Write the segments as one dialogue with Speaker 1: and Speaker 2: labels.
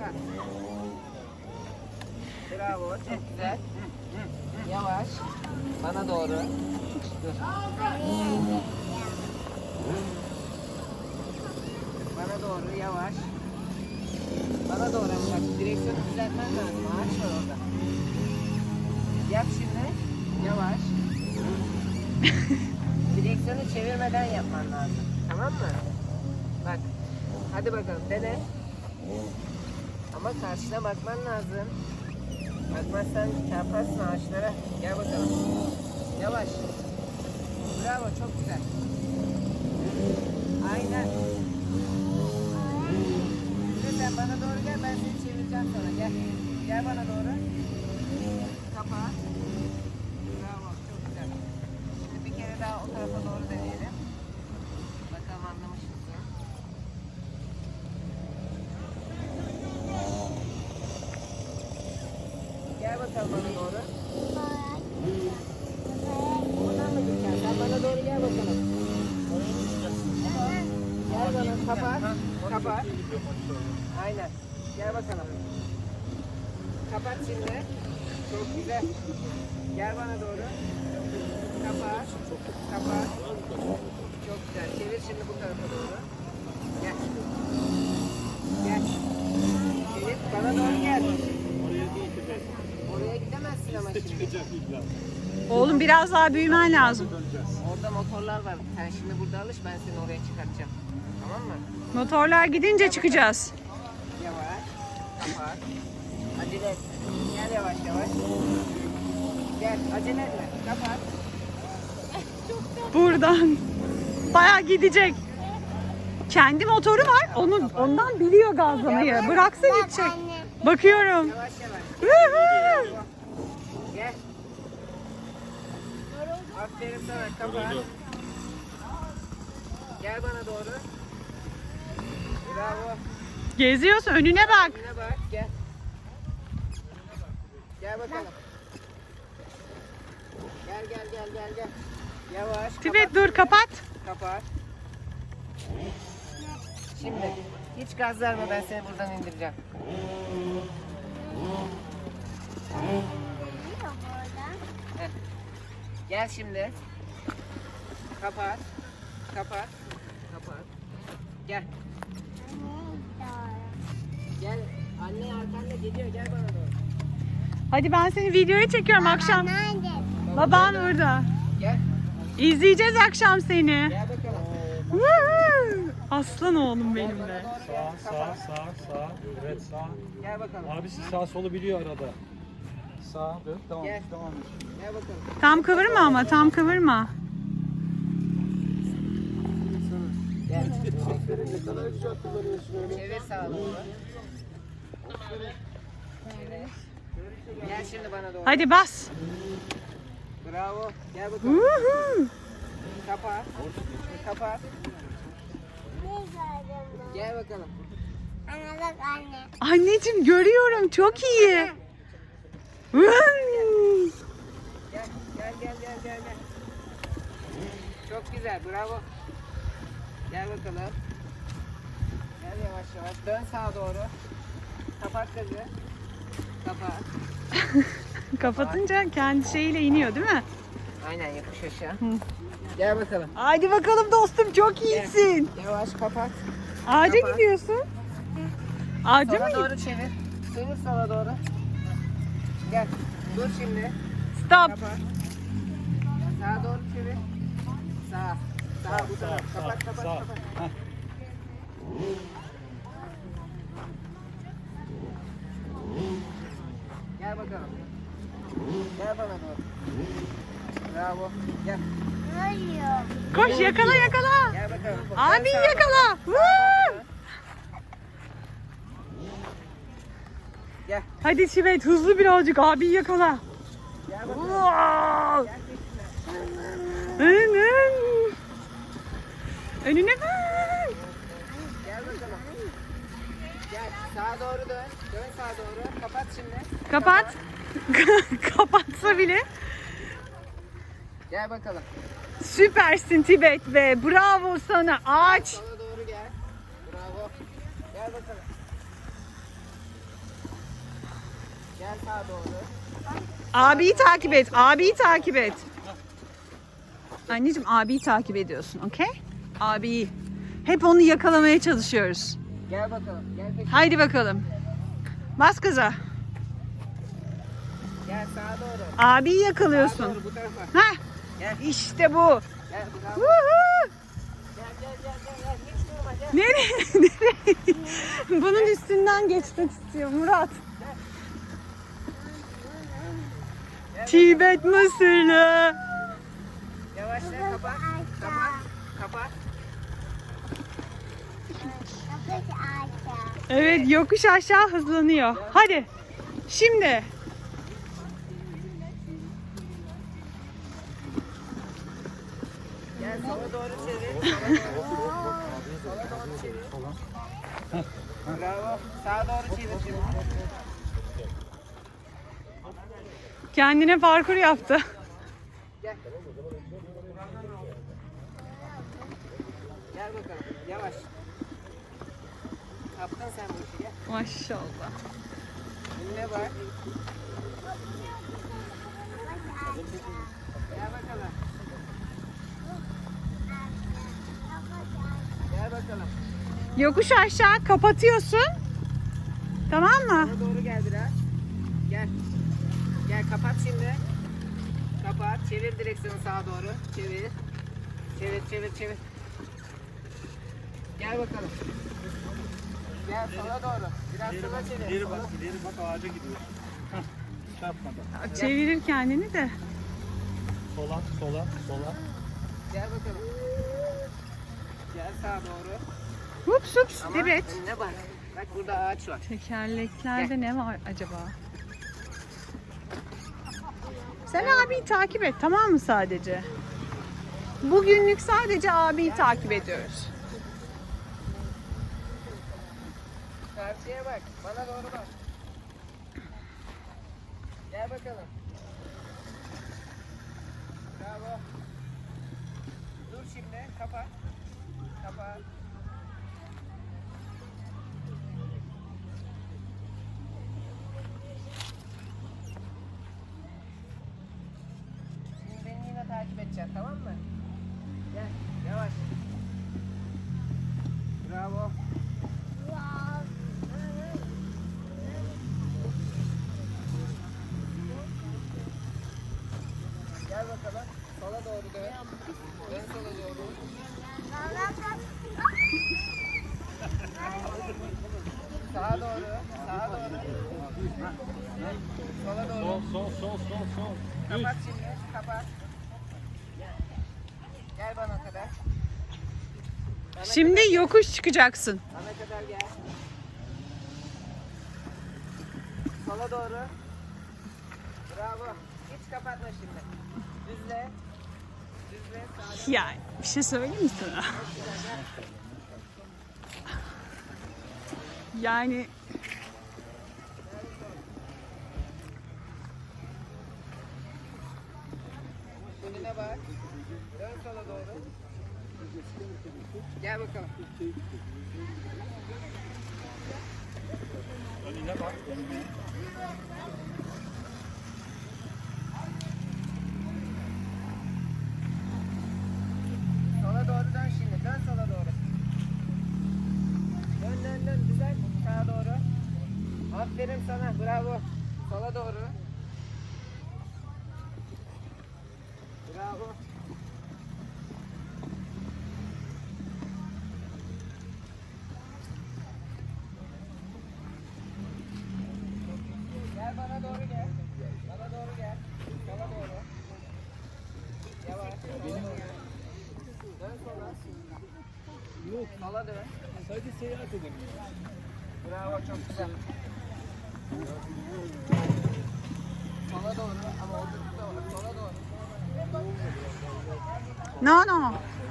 Speaker 1: Kapat. Bravo. Çok güzel. Yavaş. Bana doğru. Dur. Bana doğru yavaş. Bana doğru bak. Direksiyonu düzeltmen lazım. Ağaç var orada. Yap şimdi. Yavaş. Direksiyonu çevirmeden yapman lazım. Tamam mı? Bak. Hadi bakalım dene. Ama karşına bakman lazım. Bakmazsan çarparsın ağaçlara. Gel bakalım. Yavaş. Bravo, çok güzel. Aynen. Şimdi sen bana doğru gel, ben seni çevireceğim sonra. Gel. Gel bana doğru. Kapa. Bravo, çok güzel. Şimdi bir kere daha o tarafa doğru deneyelim. Bakalım anlamış mısın? Gel bakalım bana doğru. Oradan mı gideceksin? Sen bana doğru gel bakalım. Gel bana, kapat. Kapat. Aynen. Gel bakalım. Kapat şimdi. Çok güzel. Gel bana doğru. Kapat. Kapat. Çok güzel. Çevir şimdi bu tarafa doğru. Gel. Gel. Çevir. Bana doğru gel. Oraya gidemezsin ama şimdi.
Speaker 2: Oğlum biraz daha büyümen lazım.
Speaker 1: Orada motorlar var. Sen şimdi burada alış, ben seni oraya çıkartacağım. Tamam mı?
Speaker 2: Motorlar gidince çıkacağız.
Speaker 1: Yavaş. Kapat. Acele etme. Gel yavaş yavaş. Gel. Acele etme. Kapat.
Speaker 2: Buradan. Bayağı gidecek. Kendi motoru var. Ondan biliyor gazlamayı. Bıraksa gidecek. Bakıyorum.
Speaker 1: Yavaş yavaş.
Speaker 2: Woohoo!
Speaker 1: Gel. Aferin sana. Kapat. Gel bana doğru. Bravo.
Speaker 2: Geziyorsun, önüne bak.
Speaker 1: Önüne bak. Gel. Gel bakalım. Gel. Yavaş.
Speaker 2: Tibet dur, kapat.
Speaker 1: Kapat. Şimdi hiç gaz verme, ben seni buradan indireceğim. Heh. Gel şimdi. Kapat. Gel. Gel. Anne arkanda geliyor. Gel bana doğru.
Speaker 2: Hadi ben seni videoya çekiyorum akşam. Baban burada.
Speaker 1: Gel.
Speaker 2: İzleyeceğiz akşam seni.
Speaker 1: Gel bakalım.
Speaker 2: Woohoo! Aslan oğlum benim de.
Speaker 3: Sağ. Evet sağ.
Speaker 1: Gel bakalım.
Speaker 3: Abisi sağ solu biliyor arada. Sağ. Evet tamam.
Speaker 1: Gel.
Speaker 3: Tamam.
Speaker 1: Gel bakalım.
Speaker 2: Tam kıvırma ama, tam kıvırma.
Speaker 1: Gel. Çevir sağa doğru. Çevir. Gel şimdi bana doğru.
Speaker 2: Hadi bas.
Speaker 1: Bravo. Gel bakalım.
Speaker 2: Woohoo!
Speaker 1: Kapat. Gel bakalım.
Speaker 2: Anneciğim görüyorum, çok iyi. Vın!
Speaker 1: Gel. Çok güzel. Bravo. Gel bakalım. Gel yavaş. Dön sağa doğru. Kapat gazı. Kapat.
Speaker 2: Kapatınca kendi şeyiyle iniyor değil mi?
Speaker 1: Aynen, yokuş aşağı. Gel bakalım.
Speaker 2: Haydi bakalım dostum, çok iyisin.
Speaker 1: Yavaş kapat.
Speaker 2: Ağaca
Speaker 1: Kapat.
Speaker 2: gidiyorsun. Ağaca mı
Speaker 1: Sola
Speaker 2: gidiyorsun?
Speaker 1: doğru çevir. Çevir sola doğru. Gel. Dur şimdi.
Speaker 2: Stop.
Speaker 1: Kapat. Sağa doğru çevir. Sağ. Bu taraf. Kapat.
Speaker 3: Heh.
Speaker 1: Gel bakalım. Gel bana doğru. Bravo. Gel.
Speaker 2: Koş, yakala.
Speaker 1: Gel bakalım.
Speaker 2: Abi
Speaker 1: Dön sağa
Speaker 2: yakala.
Speaker 1: doğru.
Speaker 2: Woo!
Speaker 1: Gel.
Speaker 2: Hadi Tibet, hızlı birazcık, abi yakala.
Speaker 1: Gel bakalım.
Speaker 2: Wow!
Speaker 1: Gel peşine.
Speaker 2: Önüne bak.
Speaker 1: Gel bakalım. Gel. Sağa doğru dön. Dön sağa doğru. Kapat şimdi.
Speaker 2: Kapat. Kapatsa bile.
Speaker 1: Gel bakalım.
Speaker 2: Süpersin Tibet be. Bravo sana. Ağaç.
Speaker 1: Sola doğru gel. Bravo. Gel bakalım. Gel sağa doğru.
Speaker 2: Abiyi takip et. Abiyi takip et. Anneciğim abiyi takip ediyorsun. Okey? Abiyi. Hep onu yakalamaya çalışıyoruz.
Speaker 1: Gel bakalım. Gel peşine.
Speaker 2: Haydi bakalım. Bas gaza.
Speaker 1: Gel sağa doğru.
Speaker 2: Abiyi
Speaker 1: Sağa
Speaker 2: yakalıyorsun.
Speaker 1: doğru bu tarafa.
Speaker 2: Heh.
Speaker 1: Gel.
Speaker 2: İşte bu.
Speaker 1: Gel bravo.
Speaker 2: Woohoo!
Speaker 1: Gel. Hiç durma gel.
Speaker 2: Nereye? Nereye? Bunun üstünden geçmek istiyor Murat. Tibet Mısırlı.
Speaker 1: Yavaşla kapat. Kapat. Kapat.
Speaker 2: Evet yokuş aşağı hızlanıyor. Hadi. Şimdi.
Speaker 1: Gel sola doğru çevir. Sola doğru çevir. Bravo. Sağa doğru çevir şimdi.
Speaker 2: Kendine parkur yaptı.
Speaker 1: Gel. Gel bakalım. Yavaş. Kaptın sen bu işi gel.
Speaker 2: Maşallah.
Speaker 1: Önüne bak. Gel bakalım. Gel bakalım.
Speaker 2: Yokuş aşağı kapatıyorsun. Tamam mı?
Speaker 1: Sola doğru gel biraz. Gel. Gel kapat şimdi. Kapat. Çevir direksiyonu sağa doğru. Çevir. Çevir. Gel bakalım. Gel sola doğru. Biraz sola çevir.
Speaker 3: İleri bak ağaca gidiyor. Hah, çarpmadan.
Speaker 2: Çevirir kendini de.
Speaker 3: Sola.
Speaker 1: Gel bakalım. Gel sağa doğru.
Speaker 2: Hups hups.
Speaker 1: Ama
Speaker 2: Evet.
Speaker 1: önüne bak. Bak burada ağaç var.
Speaker 2: Tekerleklerde ne var acaba? Sen abiyi takip et tamam mı sadece? Bugünlük sadece abiyi takip ediyoruz.
Speaker 1: Karşıya bak. Bana doğru bak. Gel bakalım. Bravo. Dur şimdi. Kapat. Kapat. Şimdi beni yine takip edeceksin tamam mı? Gel. Yavaş. Bravo. Gel bakalım. Sola doğru dön. Dön sola doğru. Sağa doğru. Sağa doğru. Sola doğru.
Speaker 3: Sol.
Speaker 1: Kapat şimdi. Kapat. Gel bana kadar.
Speaker 2: Şimdi yokuş çıkacaksın.
Speaker 1: Bana kadar gel. Sola doğru. Bravo. Hiç kapatma şimdi. Düzle. Düzle.
Speaker 2: Ya bir şey söyleyeyim mi sana? Yani
Speaker 1: Önüne bak. Dön sola doğru. Gel bakalım.
Speaker 3: Önüne bak.
Speaker 1: Sola doğru dön şimdi. Dön sola doğru. Dön. Güzel. Sağa doğru. Aferin sana. Bravo. Sola doğru. Bravo. Gel bana doğru gel. Bana doğru gel. Sola doğru. Yavaş. Dön sola.
Speaker 3: Yok.
Speaker 1: Sola dön.
Speaker 3: Sadece seyahat edelim.
Speaker 1: Bravo çok güzel. Sola doğru ama oldukça doğru. Sola doğru.
Speaker 2: no.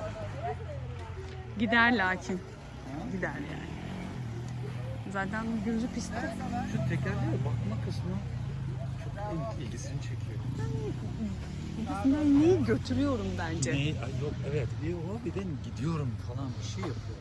Speaker 2: Gider lakin. Gider yani. Zaten gözü pistte.
Speaker 3: Şu tekerleğe bakma kısmı çok ilgisini çekiyor.
Speaker 2: İkisinden neyi götürüyorum bence.
Speaker 3: Ay yok evet. Bir o bir de gidiyorum falan bir şey yapıyor.